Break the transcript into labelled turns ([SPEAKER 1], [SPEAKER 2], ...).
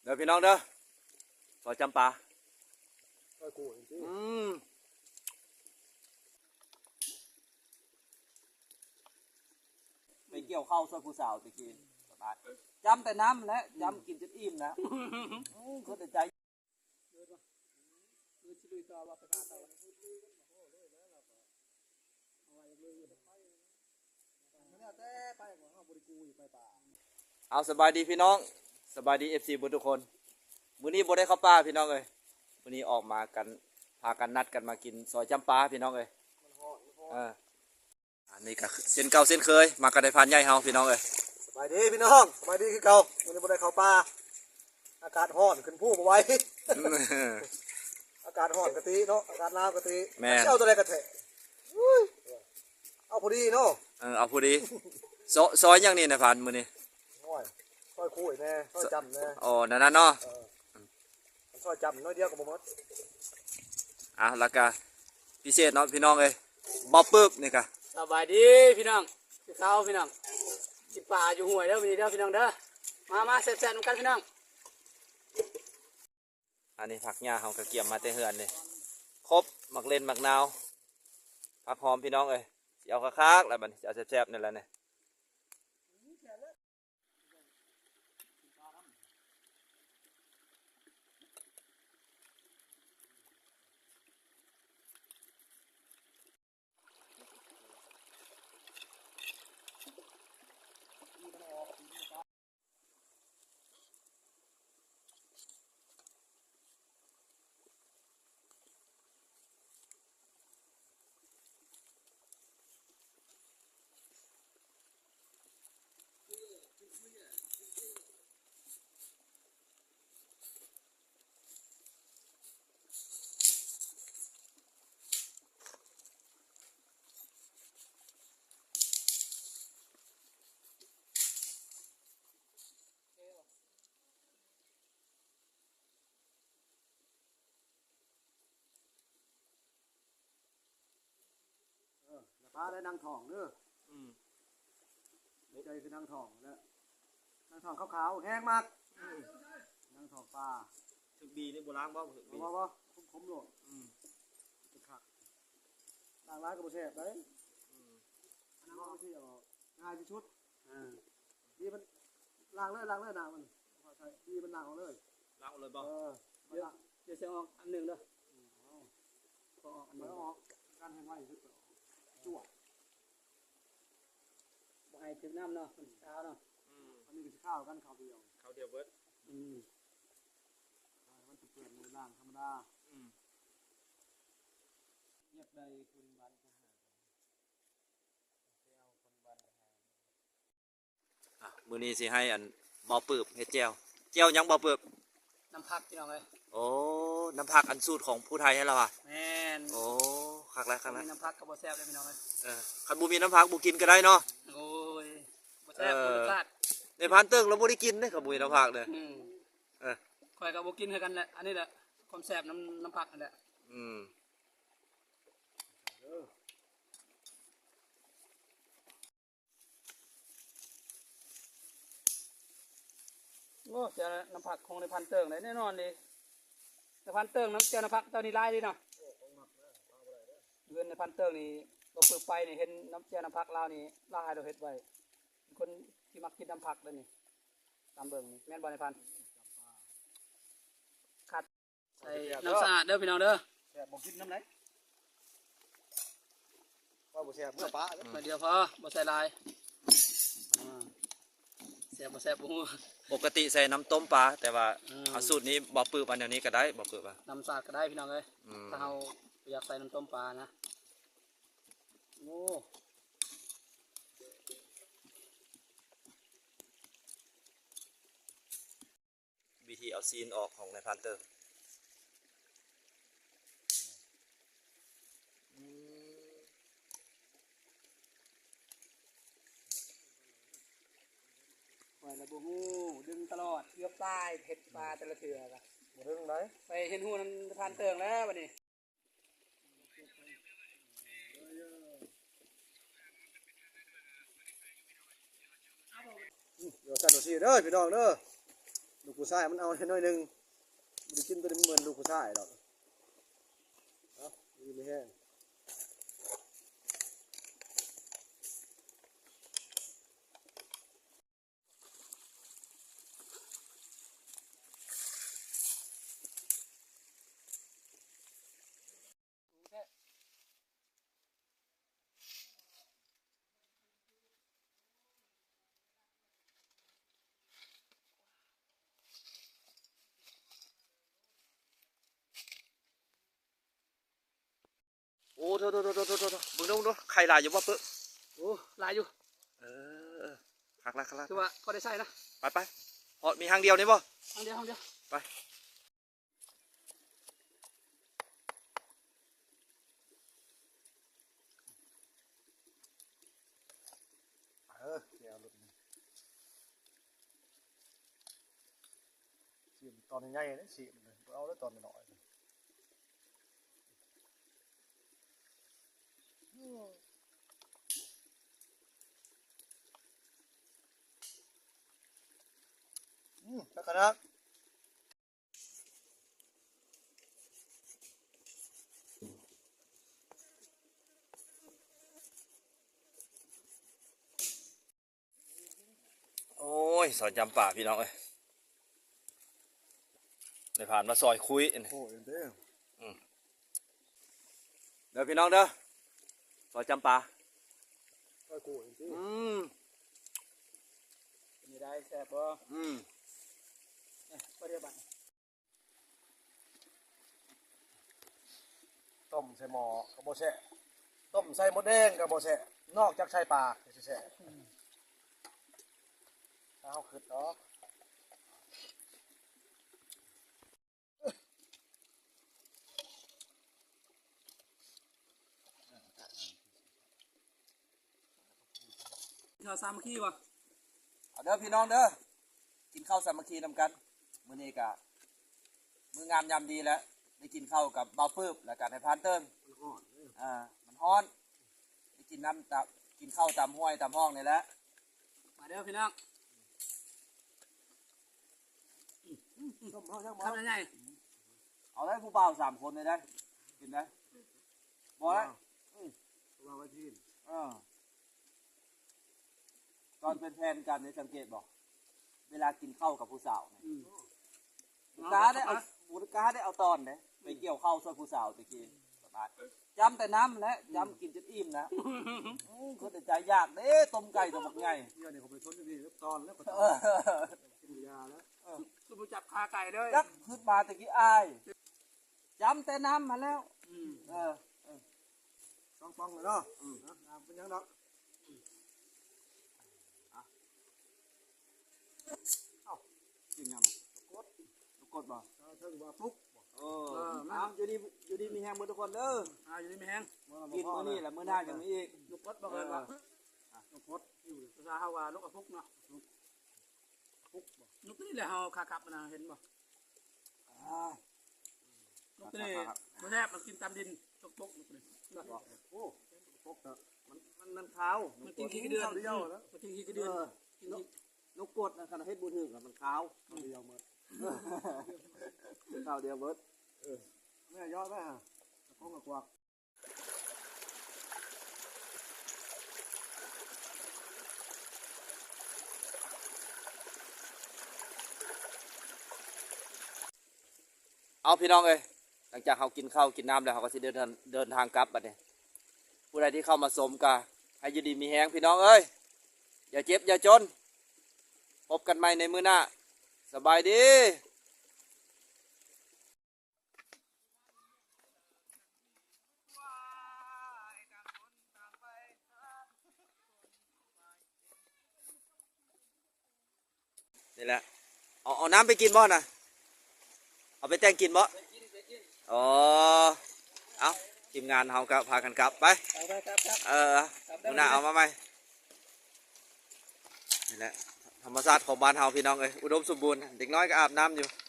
[SPEAKER 1] เดี๋ยวพี่น้องเด้อซอยจำปาไปเกี่ยวข้าวซอยผู้สาวตะกี้สบายจำแต่น้ำและจำกินจนอิ่มนะเขาแต่ใจเอาสบายดีพี่น้องสบายดีFCทุกคนมื้อนี้บ่ได้เข้าป่าพี่น้องเอ้ยมื้อนี้ออกมากันพากันนัดกันมากินซอยจำปาพี่น้องเอ้ยอันนี้ก็เส้นเก่าเส้นเคยมากันได้พานใหญ่เฮาพี่น้องเอ้ย
[SPEAKER 2] สบายดีพี่น้องสบายดีคือเก่าวันนี้บ่ได้เข้าป่าอากาศร้อนขึ้นผู้บ่ไหว อากาศร้อนกะติเนาะอากาศหนาวกะติ
[SPEAKER 1] แม่
[SPEAKER 2] เอาตัวใดกะแทะเอาพอดีเนาะ
[SPEAKER 1] เอาพอดีซอยอย่างนี้นะพานมื้อนี้
[SPEAKER 2] น้อยซอยคุยแน่ซอยจำแน่
[SPEAKER 1] อ๋อนั่นเนาะ
[SPEAKER 2] ซอยจำน้อยเดียวก็บ่หมด
[SPEAKER 1] แล้วก็พิเศษเนาะพี่น้องเอ้ยบ่ปึ๊บนี่ก็
[SPEAKER 3] สบายดีพี่น้องพี่เก่าพี่น้องกินปลาอยู่ห้วยเด้อวันนี้เด้อพี่น้องเด้อมาแซ่บๆนำกันพี่น้อง
[SPEAKER 1] อันนี้ผักหญ้าเฮาก็เกี่ยมมาแต่เฮือนนี่ครบหมักเล่นหมักนาวผักหอมพี่น้องเอ้ยสิเอาคักๆแล้วบัดนี้สิเอาแซ่บๆนี่แหละนี่
[SPEAKER 2] ปลาได้นางทองเด้อใจคือนางทองแล้วนางทองขาวๆแห้งมากนางทองปลา
[SPEAKER 1] ถึกบีนี่บ่ล้างบ่ถึกบี
[SPEAKER 2] บ่คมๆโลดเป็นคักล้างร้ายก็บ่แซ่บเด้อันนั้นเอาที่เอาง่ายที่สุดดีมันล้างเลยนางมันใช่ดีมันล้างเอาเลย
[SPEAKER 1] ล้างเอาเลยบ่
[SPEAKER 3] เดี๋ยวจะออกอันหนึ่งเด้อก็ออกอันหนึ่ง
[SPEAKER 2] ออกการแห้งไว้สุดจั่ว
[SPEAKER 3] บ่ให้ถึงน้ำเนาะมันเช้าเนาะ
[SPEAKER 2] อันนี้ก็ข้าวกันข้าวเดียว
[SPEAKER 1] เบิด
[SPEAKER 2] มันจะเปลี่ยนในร่างธรรมดา
[SPEAKER 3] เงียบใดคุณบันท
[SPEAKER 1] หารมื้อนี้สิให้อันบ่อปืบเฮ็ดแจ่วยังบ่ปืบ
[SPEAKER 3] น้ำผักพี่น้องเอ้ย
[SPEAKER 1] โอ้น้ำผักอันสูตรของผู้ไทยให้เราอ่ะ
[SPEAKER 3] แม่น
[SPEAKER 1] โอ้คักแล้ว
[SPEAKER 3] น้ำผักก็บ่แซ่บเลยพี่น้องเอ้ย
[SPEAKER 1] คันบ่มีน้ำผักบ่กินก็ได้เนาะ
[SPEAKER 3] โอ้ยบ่แซ่บบ่รสชาติ
[SPEAKER 1] ในพันเติ้งเราบ่ได้กินเด้คันบ่มีน้ำผักเด้
[SPEAKER 3] ข่อยก็บ่กินคือกันแหละอันนี้แหละความแซ่บน้ำผักนั่นแหละโอ้เจ้าน้ำผักคงในพันเติงเลยแน่นอนดิในพันเติงน้ำเจ้าน้ำผักเจ้านี่ไล่ดิเนาะเงินในพันเติงนี่เราเปิดไปนี่เห็นน้ำเจ้าน้ำผักเรานี่ไล่เราเห็ดไว้คนที่มักกินน้ำผักเลยนี่ตามเบิ่งนี่แม่นบอลในพันขัดใส่น้ำสะอาดเด้อพี่น้องเด้อ
[SPEAKER 2] แซ่บบ่กินน้ำไหนว่าบ่แซ่บเมื่อปลา
[SPEAKER 3] เดียวพอบ่ใส่ลายแซ่บบ่แซ่บบ่
[SPEAKER 1] ปกติใส่น้ำต้มปลาแต่ว่าเอาสูตรนี้บ่ปืบอันนี้ก็ได้บ่ปืบอ่ะ
[SPEAKER 3] น้ำสะอาดก็ได้พี่น้องเอ้ยถ้าเราอยากใส่น้ำต้มปลานะโอ้
[SPEAKER 1] วิธีเอาซีนออกของในพันเตอร์
[SPEAKER 3] ปล่อยระบบหูดึงตลอดเลือกปลายเห็ดปลาแต่ละเถื่อกัน
[SPEAKER 2] ดึงไหน
[SPEAKER 3] ไปเห็นหูนั้นพันเติงแล้ววันนี้
[SPEAKER 2] เดี๋ยวสั่นดูสิเด้อพี่น้องเด้อลูกผู้ชายมันเอาแค่น้อยหนึงมันได้กินตัวนี้มันเหมือนลูกผู้ชายดอกเนาะดีไม่แห้ง
[SPEAKER 1] โอ้โถมึงดูใครหลายอยู่บ่ปึ๊บ
[SPEAKER 3] โอ้หลายอยู่
[SPEAKER 1] เออคักละ
[SPEAKER 3] คือว่าพอได้ใส่นะ
[SPEAKER 1] ไปพอมีทางเดียวนี่บ่
[SPEAKER 3] ห้องเดียวห้องเดียว
[SPEAKER 1] ไป
[SPEAKER 2] แกวรถนี่สีตอนใหญ่ๆนี่สีมันเลยเอาแล้วตอนน้อยๆนะครับ
[SPEAKER 1] โอ้ยซอยจำป่าพี่น้องเอ้ยได้ผ่านมาซอยคุยอันนี้
[SPEAKER 2] โอ้ยเด้อ
[SPEAKER 1] เด้อพี่น้องเด้อซอยจำป่า
[SPEAKER 2] ก็กูเองสิ
[SPEAKER 3] เป็นยังไงแซ่บบ่ พอได้บัด
[SPEAKER 2] ต้มใส่หม้อกับโบแช่ต้มใส่มดแดงกับโบแช่นอกจากใส่ปลาแช่เอาขึ้นเนาะ
[SPEAKER 3] ข้าวสามัคคีบ่
[SPEAKER 1] เอาเด้อพี่น้องเด้อกินข้าวสามัคคีนำกันมื้อนี้ก็มื้องามยามดีแล้วได้กินข้าวกับเบาปื้บแล้วก็ในพานเติ้ง
[SPEAKER 2] มันห่อนเด้อ
[SPEAKER 1] มันฮ้อนได้กินน้ำตากินข้าวตามห้วยตามห้องนี่แหละ
[SPEAKER 3] มาเด้อพี่น้อง
[SPEAKER 2] ต้มเอาจังบ่
[SPEAKER 3] ทำยังไง
[SPEAKER 1] เอาได้ผู้บ่าว3คนเลยได้กินได้บ่ได้
[SPEAKER 2] วางไว้ที่
[SPEAKER 1] ตอนเป็นแฟนกันได้สังเกตบอกเวลากินข้าวกับผู้สาวเนี่ยบุกาได้เอาตอนเนี่ยไปเกี่ยวข้าวช่วยผู้สาวตะกี้สบายจำแต่น้ำและจำกินจนอิ่มนะคนแต่ใจยากเด้ต้มไก่ตัวบักไง
[SPEAKER 2] เดี๋ยวนี้เขาไปชนที่นี่แล้วตอนแล้วก็ต
[SPEAKER 1] เอ
[SPEAKER 2] อน
[SPEAKER 1] อ
[SPEAKER 2] กินยาแล้ว
[SPEAKER 3] คือผู้จับขาไก่เด้อ
[SPEAKER 1] ยักขึ้นมาตะกี้อายจำแต่น้ำมาแล้วเออ
[SPEAKER 2] ต้องป้องเลยเนาะน้ำเป็นยังดอก
[SPEAKER 1] จริงยังกดบ่
[SPEAKER 2] ถ้าว่าปุ๊ก
[SPEAKER 1] น้ำอยู่ดีมีแห้งหมดทุกคนเด้อ
[SPEAKER 3] อยู่นี่ไม่แห้ง
[SPEAKER 1] กินมื้อนี้แหละมื้อหน้ายังมีอีก
[SPEAKER 3] ลูกกดบ่เอิ้นว่าลูกกดอยู่ภาษาเฮาว่าลูกกระพุกเนาะลูกนี่แหละเฮาขาขับนะเห็นบ่ลูกนี่บ่แซ่บมันกินตามดินตกลูกนี่
[SPEAKER 2] โอ้ปุ๊กเถอะ
[SPEAKER 1] มันขาว
[SPEAKER 3] มันกินขี้กระเดือน
[SPEAKER 2] เดียวแล้ว
[SPEAKER 3] มันกินขี้กระเดือนกินขี้
[SPEAKER 1] นกกดนะขนาดเฮ็ดบูถึกมันขาว
[SPEAKER 2] เดียวหมด
[SPEAKER 1] ขาวเดียวเบิด
[SPEAKER 2] แม่ยอดไหมฮะป้องกับกวัก
[SPEAKER 1] เอาพี่น้องเอ้ยหลังจากเขากินข้าวกินน้ำแล้วเขาก็สิเดินทางกลับบัดนี้ผู้ใดที่เข้ามาสมกะให้อยู่ดีมีแฮงพี่น้องเอ้ยอย่าเจ็บอย่าจนพบกันใหม่ในมื้อหน้าสบายดีนี่แหละเอาน้ำไปกินบ่น่ะเอาไปแต่งกินบ่อ๋อเอาทีมงานเฮาก็พากันกลับไป
[SPEAKER 3] ครับ
[SPEAKER 1] มื้อหน้าเอามาใหม่นี่แหละธรรมชาติของบ้านเฮาพี่น้องเอ้ยอุดมสมบูรณ์เด็กน้อยก็อาบน้ำอยู่